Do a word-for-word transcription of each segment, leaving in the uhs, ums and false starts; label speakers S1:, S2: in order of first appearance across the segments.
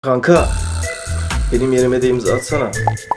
S1: Kanka, benim yerime de imza atsana.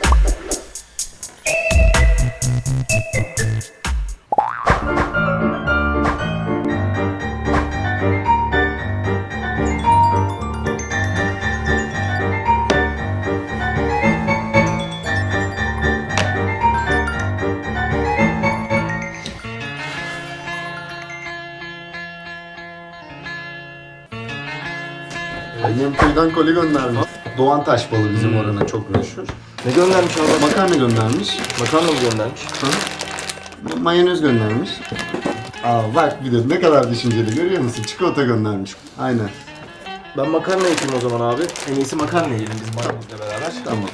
S2: Annem köyden koli göndermiş. Doğan taş balı bizim oranın çok meşhur.
S1: Ne göndermiş abi?
S2: Makarna göndermiş.
S1: Makarna mı göndermiş?
S2: Hı? Mayonez göndermiş. Aa bak bir de ne kadar düşünceli görüyor musun? Çikolata göndermiş. Aynen.
S1: Ben makarna yapayım o zaman abi. En iyisi makarna yiyelim biz mayonezle beraber.
S2: Tamam.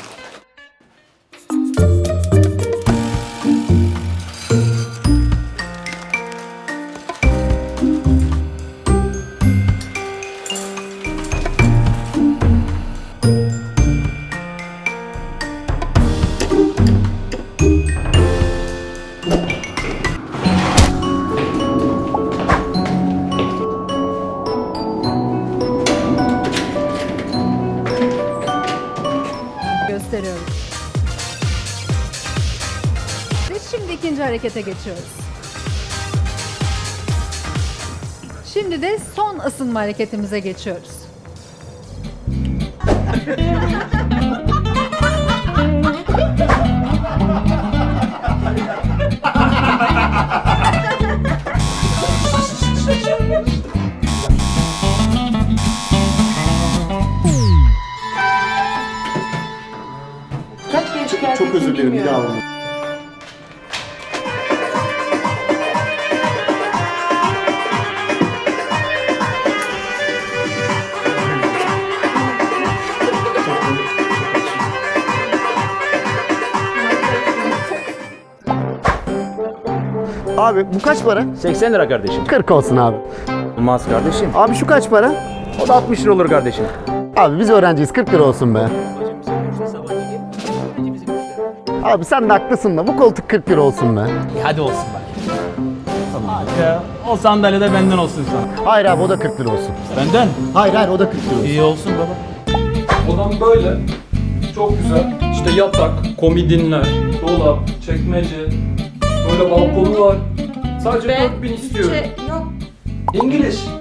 S3: Gösteriyoruz. Ve şimdi ikinci harekete geçiyoruz. Şimdi de son ısınma hareketimize geçiyoruz.
S2: Çok, çok özür dilerim bir daha alalım. Abi bu kaç para?
S4: seksen lira kardeşim.
S2: kırk olsun abi.
S4: Olmaz kardeşim.
S2: Abi şu kaç para?
S4: O da altmış lira olur kardeşim.
S2: Abi biz öğrenciyiz, kırk lira olsun be. Abi sen de haklısın da bu koltuk kırk lira olsun be.
S4: Hadi olsun bak. Hadi ya. O sandalye de benden olsun sana.
S2: Hayır abi o da kırk lira olsun.
S4: Benden?
S2: Hayır hayır o da kırk lira olsun.
S4: İyi olsun baba.
S5: Odam böyle. Çok güzel. İşte yatak, komodinler, dolap, çekmece. Böyle balkonu var. Sadece dört bin istiyorum.
S6: Yok.
S5: İngiliz.